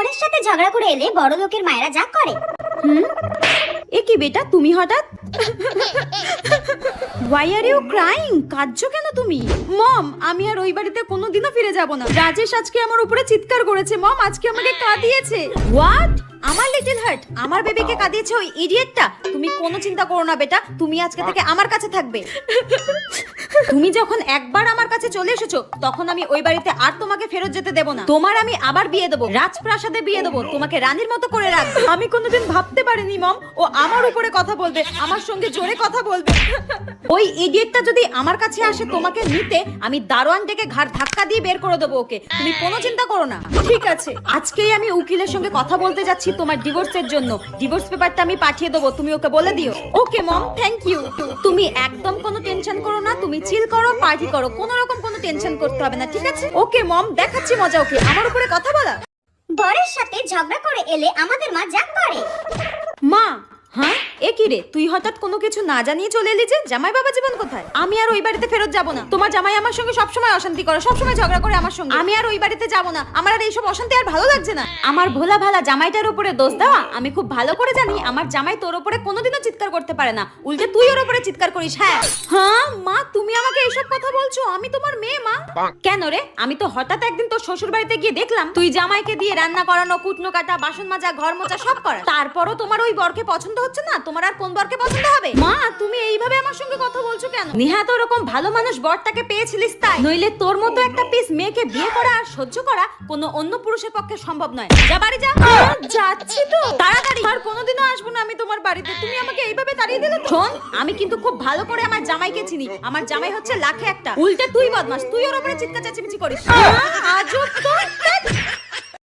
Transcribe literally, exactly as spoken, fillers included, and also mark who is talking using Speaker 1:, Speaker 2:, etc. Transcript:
Speaker 1: বরের সাথে ঝগড়া করে এলে বড় লোকের মায়েরা যা করে।
Speaker 2: হুম, এ কি বেটা তুমি হঠাৎ? Why are you crying? কাঁদছো কেন তুমি? মম, আমি আর ওই বাড়িতে কোনোদিনও ফিরে যাব না। রাজেশ আজকে আমার উপরে চিৎকার করেছে মম, আজকে আমাকে কাঁদিয়েছে। হোয়াট? আমার লিটল হার্ট আমার বেবিকে কাঁদিয়েছে ওই ইডিয়েটটা? তুমি কোনো চিন্তা করো না বেটা, তুমি আজকে থেকে আমার কাছে থাকবে। তুমি যখন একবার আমার কাছে চলে এসেছো তখন আমি ওই বাড়িতে আর তোমাকে ফেরত যেতে দেব না। তোমার আমি আবার বিয়ে দেবো, রাজপ্রাসাদে বিয়ে দেবো, তোমাকে রানীর মতো করে রাখবো। আমি কোনোদিন ভাবতে পারিনি মম ও আমার উপরে কথা বলবে, আমার সঙ্গে জোরে কথা বলবে। ওই ইডিয়েটটা যদি আমার কাছে আসে তোমাকে নিতে, আমি দারোয়ান ডেকে ঘাড় ধাক্কা দিয়ে বের করে দেবো ওকে। তুমি কোনো চিন্তা করো না। ঠিক আছে, আজকেই আমি উকিলের সঙ্গে কথা বলতে যাচ্ছি তোমার ডিভোর্সের জন্য। ডিভোর্স পেপারটা আমি পাঠিয়ে দেবো, তুমি ওকে বলে দিও। Okay mom, thank you. তুমি একদম কোনো টেনশন করো না, তুমি চিল করো, পার্টি করো, কোনো রকম কোনো টেনশন করতে হবে না, ঠিক আছে? ওকে মম, দেখাচ্ছি মজা ওকে, আমার উপরে কথা বলা।
Speaker 1: বরের সাথে ঝগড়া করে এলে আমাদের মা যা করে।
Speaker 2: মা, হ্যাঁ এ কি রে, তুই হঠাৎ কোনো কিছু না জানিয়ে চলে এলি যে? জামাই বাবা জীবন কোথায়? আমি আর ওই বাড়িতে ফেরত যাব না। তোমার জামাই আমার সঙ্গে সবসময় অশান্তি করে, সবসময় ঝগড়া করে আমার সঙ্গে। আমি আর ওই বাড়িতে যাব না, আমার আর এইসব অশান্তি আর ভালো লাগছে না। আমার ভোলা ভালা জামাইটার উপরে দোষ দেওয়া আমি খুব ভালো করে জানি। আমার জামাই তোর উপরে কোনোদিনও চিৎকার করতে পারে না, উল্টে তুই ওর উপরে চিৎকার করিস। হ্যাঁ হ্যাঁ মা, তুমি আমাকে এইসব কথা বলছো? আমি তোমার মেয়ে মা। কেন রে? আমি তো হঠাৎ একদিন তোর শ্বশুর বাড়িতে গিয়ে দেখলাম তুই জামাইকে দিয়ে রান্না করানো, কুটনো কাটা, বাসন মাজা, ঘর মোছা সব করা। তারপরও তোমার ওই বরকে পছন্দ হচ্ছে না, তোমার আর কোন বরকে পছন্দ হবে? মা, তুমি এইভাবে আমার সঙ্গে কথা বলছো কেন? নিহাত ওরকম ভালো মানুষ বরটাকে পেয়েছিলিস তাই, নইলে তোর মতো একটা পিস মেয়েকে বিয়ে করা আর সহ্য করা কোনো অন্য পুরুষের পক্ষে সম্ভব নয়। যা বাড়ি যা। যাচ্ছি তো, তাড়াতাড়ি। আর কোনোদিনও আসবো না আমি তোমার বাড়িতে, তুমি আমাকে এইভাবে তাড়িয়ে দিলে। শোন, আমি কিন্তু খুব ভালো করে আমার জামাইকে চিনি। আমার জামাই হচ্ছে লাখে একটা, উল্টে তুই বদমাস, তুই ওর উপরে চিৎকার চেঁচামেচি করিস। আজব তো।